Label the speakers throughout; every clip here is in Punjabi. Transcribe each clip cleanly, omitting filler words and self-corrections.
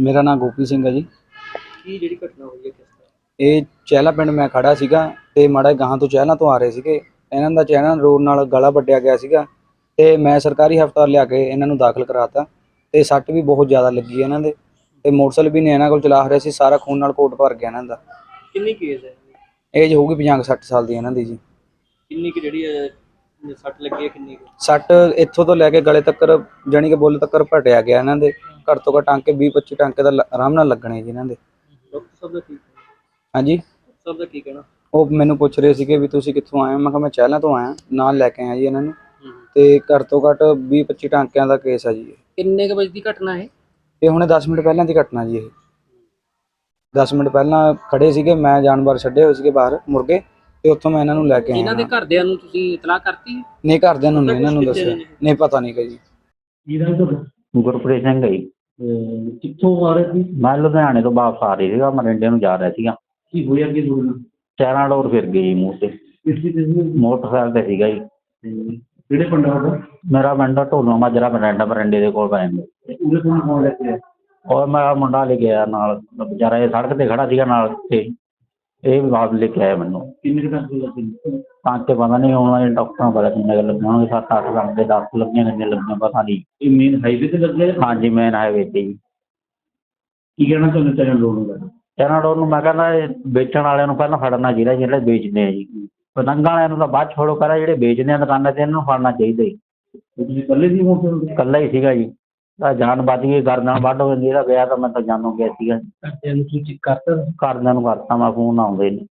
Speaker 1: ਮੇਰਾ ਨਾਮ ਗੋਪੀ ਸਿੰਘ ਹੈ ਜੀ।
Speaker 2: ਕੀ ਜਿਹੜੀ ਘਟਨਾ ਹੋਈ ਹੈ ਕਿਸ ਤਰ੍ਹਾਂ?
Speaker 1: ਇਹ ਚਹਿਲਾ ਪਿੰਡ ਮੈਂ ਖੜਾ ਸੀਗਾ ਤੇ ਮਾੜਾ ਗਾਹਾਂ ਤੋਂ ਚਹਿਲਾਂ ਤੋਂ ਆ ਰਹੇ ਸੀਗੇ। ਇਹਨਾਂ ਦਾ ਚਹਿਲਾਂ ਰੋਡ ਨਾਲ ਗਲਾ ਵੱਢਿਆ ਗਿਆ ਸੀਗਾ ਤੇ ਮੈਂ ਸਰਕਾਰੀ ਹਸਪਤਾਲ ਲਿਆ ਕੇ ਇਹਨਾਂ ਨੂੰ ਦਾਖਲ ਕਰਾਤਾ ਤੇ ਸੱਟ ਵੀ ਬਹੁਤ ਜ਼ਿਆਦਾ ਲੱਗੀ ਇਹਨਾਂ ਦੇ ਤੇ ਮੋਟਰਸਾਈਕਲ ਵੀ ਨੇ ਇਹਨਾਂ ਕੋਲ ਚਲਾ ਰਿਹਾ ਸੀ। ਸਾਰਾ ਖੂਨ ਨਾਲ ਕੋਟ ਭਰ ਗਿਆ ਇਹਨਾਂ ਦਾ।
Speaker 2: ਕਿੰਨੀ ਕੇਸ ਹੈ?
Speaker 1: ਏਜ ਹੋਊਗੀ 50-60 ਸਾਲ ਦੀ ਇਹਨਾਂ ਦੀ ਜੀ।
Speaker 2: ਕਿੰਨੀ ਕਿ ਜਿਹੜੀ ਸੱਟ ਲੱਗੀ ਹੈ ਕਿੰਨੀ ਕੁ?
Speaker 1: ਸੱਟ ਇੱਥੋਂ ਤੋਂ ਲੈ ਕੇ ਗਲੇ ਤੱਕ ਜਾਣੀ ਕਿ ਬੁੱਲ ਤੱਕ ਭਟਿਆ ਗਿਆ ਇਹਨਾਂ ਦੇ। ਘੱਟ ਤੋਂ ਘੱਟ ਟਾਂਕੇ 20-25 ਟਾਂਕੇ ਦਾ ਆਰਾਮ ਨਾਲ ਲੱਗਣੇ ਜੀ ਇਹਨਾਂ ਦੇ।
Speaker 2: ਡਾਕਟਰ ਸਾਹਿਬ ਦਾ ਕੀ
Speaker 1: ਹਾਂਜੀ,
Speaker 2: ਡਾਕਟਰ ਸਾਹਿਬ ਦਾ ਕੀ ਕਹਿਣਾ?
Speaker 1: ਉਹ ਮੈਨੂੰ ਪੁੱਛ ਰਹੇ ਸੀਗੇ ਵੀ ਤੁਸੀਂ ਕਿੱਥੋਂ ਆਏ ਹੋ। ਮੈਂ ਕਿਹਾ ਮੈਂ ਚਹਿਲਾਂ ਤੋਂ ਆਇਆ, ਨਾਲ ਲੈ ਕੇ ਆਇਆ ਜੀ ਇਹਨਾਂ ਨੂੰ। ਤੇ ਘੱਟ ਤੋਂ ਘੱਟ 20-25 ਟਾਂਕਿਆਂ ਦਾ ਕੇਸ ਆ ਜੀ।
Speaker 2: ਕਿੰਨੇ ਕੁ ਵਜੇ ਦੀ ਘਟਨਾ ਹੈ
Speaker 1: ਇਹ ਹੁਣੇ 10 ਮਿੰਟ ਪਹਿਲਾਂ ਦੀ ਘਟਨਾ ਜੀ। ਇਹ 10 ਮਿੰਟ ਪਹਿਲਾਂ ਖੜੇ ਸੀਗੇ, ਮੈਂ ਜਾਨਵਰ ਛੱਡੇ ਹੋਏ ਸੀਗੇ ਬਾਹਰ ਮੁਰਗੇ ਤੇ ਉੱਥੋਂ ਮੈਂ ਇਹਨਾਂ ਨੂੰ ਲੈ ਕੇ ਆਇਆ।
Speaker 2: ਇਹਨਾਂ ਦੇ ਘਰਦਿਆਂ ਨੂੰ ਤੁਸੀਂ ਇਤਲਾਹ ਕਰਤੀ?
Speaker 1: ਨਹੀਂ, ਘਰਦਿਆਂ ਨੂੰ ਨਹੀਂ ਇਹਨਾਂ ਨੂੰ ਦੱਸਿਆ, ਨਹੀਂ ਪਤਾ ਨਹੀਂ ਕਿ ਜੀ।
Speaker 3: ਗੁਰਪ੍ਰੀਤ ਸਿੰਘ ਹੈ ਜੀ।
Speaker 2: ਕਿੱਥੋਂ ਆ ਰਹੇ ਸੀ?
Speaker 3: ਮੈਂ ਲੁਧਿਆਣੇ ਤੋਂ ਵਾਪਸ ਆ ਰਹੀ ਸੀਗਾ, ਮਰਿੰਡੇ ਨੂੰ ਜਾ ਰਿਹਾ ਸੀਗਾ।
Speaker 2: ਕੀ ਹੋਇਆ ਕੀ ਹੋਇਆ?
Speaker 3: ਚਾਰਾਂ ਡੋਰ ਫਿਰ ਗਈ ਜੀ ਮੂੰਹ ਤੇ। ਮੋਟਰਸਾਈਕਲ ਤੇ ਸੀਗਾ ਜੀ।
Speaker 2: ਕਿਹੜੇ ਪਿੰਡ ਦਾ?
Speaker 3: ਮੇਰਾ ਪਿੰਡ ਢੋਲੋ ਮਾਜਰਾ ਮਰਿੰਡੇ ਦੇ ਕੋਲ ਪੈ ਜਾਂਦਾ।
Speaker 2: ਉਹਦੇ ਕੋਲ ਕੌਣ ਲੈ ਕੇ ਆਇਆ?
Speaker 3: ਔਰ ਮੈਂ ਮੁੰਡਾ ਲੈ ਕੇ ਆਇਆ ਨਾਲ, ਵਿਚਾਰਾ ਇਹ ਸੜਕ ਤੇ ਖੜਾ ਸੀਗਾ ਨਾਲ ਤੇ ਇਹ ਵੀ ਵਾਪਸ ਲੈ ਕੇ ਆਇਆ ਮੈਨੂੰ।
Speaker 2: ਕਿੰਨੇ ਟਾਂਕੇ ਲੱਗੇ?
Speaker 3: ਟਾਂਕੇ ਪਤਾ ਨਹੀਂ, ਹੁਣ ਡਾਕਟਰਾਂ ਨੂੰ ਪਤਾ ਕਿੰਨੇ ਕੁ ਲੱਗੇ ਹੋਣਗੇ। 7-8 ਟਾਂਕੇ, 10 ਲੱਗੀਆਂ, ਕਿੰਨੇ ਲੱਗੀਆਂ ਪਤਾ ਨਹੀਂ।
Speaker 2: ਇਹ ਮੇਨ ਹਾਈਵੇ ਤੇ ਲੱਗੇ?
Speaker 3: ਹਾਂਜੀ, ਮੇਨ ਹਾਈਵੇ ਤੇ ਜੀ।
Speaker 2: ਕੀ ਕਹਿਣਾ ਚਾਹੁੰਦੇ ਚਾਰਾਂ ਲੋੜ ਨੂੰ?
Speaker 3: ਚਾਰਾਂ ਡੋਰ ਨੂੰ ਮੈਂ ਕਹਿੰਦਾ ਇਹ ਵੇਚਣ ਵਾਲਿਆਂ ਨੂੰ ਪਹਿਲਾਂ ਫੜਨਾ ਚਾਹੀਦਾ, ਜਿਹੜੇ ਵੇਚਦੇ ਆ ਜੀ। ਪਤੰਗਾਂ ਵਾਲਿਆਂ ਨੂੰ ਤਾਂ ਬਾਅਦ ਛੋੜੋ, ਕਰਾ ਜਿਹੜੇ ਵੇਚਦੇ ਆ ਦੁਕਾਨਾਂ ਤੇ ਇਹਨਾਂ ਨੂੰ ਫੜਨਾ ਚਾਹੀਦਾ ਜੀ।
Speaker 2: ਤੁਸੀਂ ਇਕੱਲੇ ਸੀ ਮੋਟਰਸਾਈਕਲ?
Speaker 3: ਇਕੱਲਾ ਹੀ ਸੀਗਾ ਜੀ। ਤਾਂ ਜਾਨ ਬਚ ਗਈ, ਗਰਦਨ ਵੱਢ ਹੋ ਜਾਂਦੀ। ਇਹਦਾ ਵਿਆਹ ਤਾਂ ਮੈਂ ਤਾਂ ਜਾਣੂ ਗਿਆ ਸੀਗਾ।
Speaker 2: ਘਰਦਿਆਂ ਨੂੰ ਤੁਸੀਂ ਕਰਤਾ?
Speaker 3: ਘਰਦਿਆਂ ਨੂੰ ਕਰਤਾ ਮੈਂ ਫੋਨ, ਆਉਂਦੇ ਨੇ।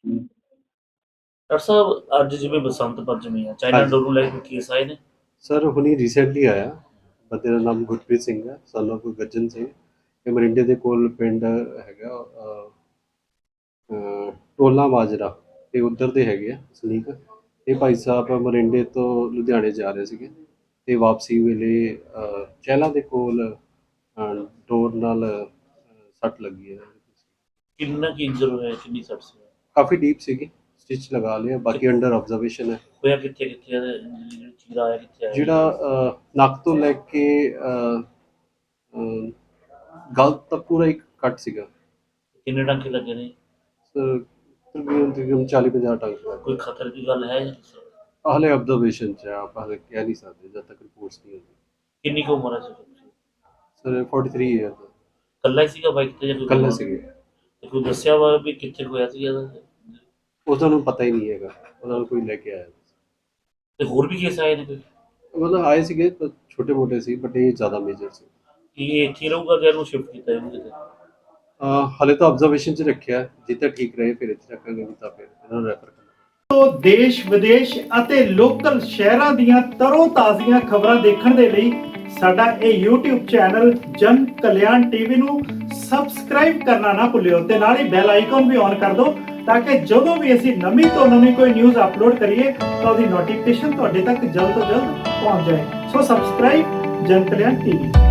Speaker 4: ਡਾਕਟਰ ਸਾਹਿਬ ਅੱਜ ਜਿਵੇਂ ਬਸੰਤ ਪੰਚਮੀ ਆ, ਚਾਈਨਾ ਡੋਰ ਨੂੰ ਲੈ ਕੇ ਕੇਸ ਆਏ ਨੇ?
Speaker 5: ਸਰ ਹੁਣੀ ਰੀਸੈਂਟਲੀ ਆਇਆ। ਬੰਦੇ ਦਾ ਨਾਮ ਗੁਰਪ੍ਰੀਤ ਸਿੰਘ ਹੈ, ਸਨ ਆਫ ਗੱਜਨ ਸਿੰਘ। ਇਹ ਮਰਿੰਡੇ ਦੇ ਕੋਲ ਪਿੰਡ ਹੈਗਾ ਟੋਲਾ ਮਾਜਰਾ, ਇਹ ਉੱਧਰ ਦੇ ਹੈਗੇ ਆ ਸਲੀਕ। ਇਹ ਭਾਈ ਸਾਹਿਬ ਮਰਿੰਡੇ ਤੋਂ ਲੁਧਿਆਣੇ ਜਾ ਰਹੇ ਸੀਗੇ ਤੇ ਵਾਪਸੀ ਵੇਲੇ ਚਹਿਲਾਂ ਦੇ ਕੋਲ ਡੋਰ ਨਾਲ ਸੱਟ ਲੱਗੀ ਹੈ।
Speaker 4: ਕਿੰਨਾ ਕੀ ਇੰਜਰ ਹੋਇਆ, ਕਿੰਨੀ ਸੱਟ ਸੀ?
Speaker 5: ਕਾਫੀ ਡੀਪ ਸੀਗੀ, ਸਟਿਚ ਲਗਾ ਲਿਆ, ਬਾਕੀ ਅੰਡਰ ਆਬਜ਼ਰਵੇਸ਼ਨ ਹੈ।
Speaker 4: ਹੋਇਆ ਕਿੱਥੇ ਕਿੱਥੇ ਜਿਹੜਾ ਚੀਰਾ ਆਇਆ ਕਿੱਥੇ ਆਇਆ?
Speaker 5: ਜਿਹੜਾ ਨੱਕ ਤੋਂ ਲੈ ਕੇ ਗਲ ਤੱਕ ਪੂਰਾ ਇੱਕ ਕੱਟ ਸੀਗਾ।
Speaker 4: ਕਿੰਨੇ ਟਾਂਕੇ ਲੱਗੇ ਨੇ?
Speaker 5: ਸਰ ਤਕਰੀਬਨ 40-50 ਟਾਂਕੇ।
Speaker 4: ਕੋਈ ਖਤਰ ਦੀ ਗੱਲ ਹੈ?
Speaker 5: ਹਾਲੇ ਆਬਜ਼ਰਵੇਸ਼ਨ 'ਚ ਹੈ, ਆਪਾਂ ਹਾਲੇ ਕਹਿ ਨਹੀਂ ਸਕਦੇ ਜਦ ਤੱਕ ਰਿਪੋਰਟਸ ਨਹੀਂ ਹੁੰਦੀ।
Speaker 4: ਕਿੰਨੀ ਕੁ ਉਮਰ ਹੈ
Speaker 5: ਸਰ 43 ਈਅਰ ਦਾ।
Speaker 4: ਇਕੱਲਾ ਹੀ ਸੀਗਾ ਬਾਈਕ ਤੇ ਜਾਂ ਕੋਈ?
Speaker 5: ਇਕੱਲੇ ਸੀਗੇ।
Speaker 4: ਤੇ ਕੋਈ ਦੱਸਿਆ ਵਾ ਵੀ ਕਿੱਥੇ ਹੋਇਆ ਸੀ ਇਹਦਾ?
Speaker 5: ਉਹਨਾਂ ਨੂੰ ਪਤਾ ਹੀ ਨਹੀਂ ਹੈਗਾ, ਉਹਨਾਂ ਨੂੰ ਕੋਈ ਲੈ ਕੇ ਆਇਆ।
Speaker 4: ਤੇ ਹੋਰ ਵੀ ਕੇਸ ਆਏ ਨੇ ਕੋਈ?
Speaker 5: ਮਤਲਬ ਆਏ ਸੀਗੇ ਤਾਂ ਛੋਟੇ ਮੋਟੇ ਸੀ, ਬਟ ਇਹ ਜ਼ਿਆਦਾ ਮੇਜਰ ਸੀ।
Speaker 4: ਕੀ ਇਹ ਇੱਥੇ ਰਹੂਗਾ ਕਿ ਇਹਨੂੰ ਸ਼ਿਫਟ ਕੀਤਾ ਇਹਨੂੰ ਕਿਤੇ?
Speaker 5: ਹਾਲੇ ਤਾਂ ਆਬਜ਼ਰਵੇਸ਼ਨ 'ਚ ਰੱਖਿਆ, ਜਿੱਥੇ ਠੀਕ ਰਹੇ ਫਿਰ ਇੱਥੇ ਰੱਖਾਂਗੇ, ਨਹੀਂ ਤਾਂ ਫਿਰ ਇਹਨਾਂ ਨੂੰ ਰੈਫਰ ਕਰਾਂਗੇ।
Speaker 6: ਤੋਂ ਦੇਸ਼ ਵਿਦੇਸ਼ ਅਤੇ ਲੋਕਲ ਸ਼ਹਿਰਾਂ ਦੀਆਂ ਤਰੋ ਤਾਜ਼ੀਆਂ ਖਬਰਾਂ ਦੇਖਣ ਦੇ ਲਈ ਸਾਡਾ ਇਹ YouTube ਚੈਨਲ ਜਨ ਕਲਿਆਣ ਟੀਵੀ ਨੂੰ ਸਬਸਕ੍ਰਾਈਬ ਕਰਨਾ ਨਾ ਭੁੱਲਿਓ ਤੇ ਨਾਲ ਹੀ ਬੈਲ ਆਈਕਨ ਵੀ ਔਨ ਕਰ ਦਿਓ ਤਾਂ ਕਿ ਜਦੋਂ ਵੀ ਅਸੀਂ ਨਵੀਂ ਤੋਂ ਨਵੀਂ ਕੋਈ ਨਿਊਜ਼ ਅਪਲੋਡ ਕਰੀਏ ਤਾਂ ਉਹਦੀ ਨੋਟੀਫਿਕੇਸ਼ਨ ਤੁਹਾਡੇ ਤੱਕ ਜਲਦ ਤੋਂ ਜਲਦ ਪਹੁੰਚ ਜਾਏ। ਸੋ ਸਬਸਕ੍ਰਾਈਬ ਜਨ ਕਲਿਆਣ ਟੀਵੀ।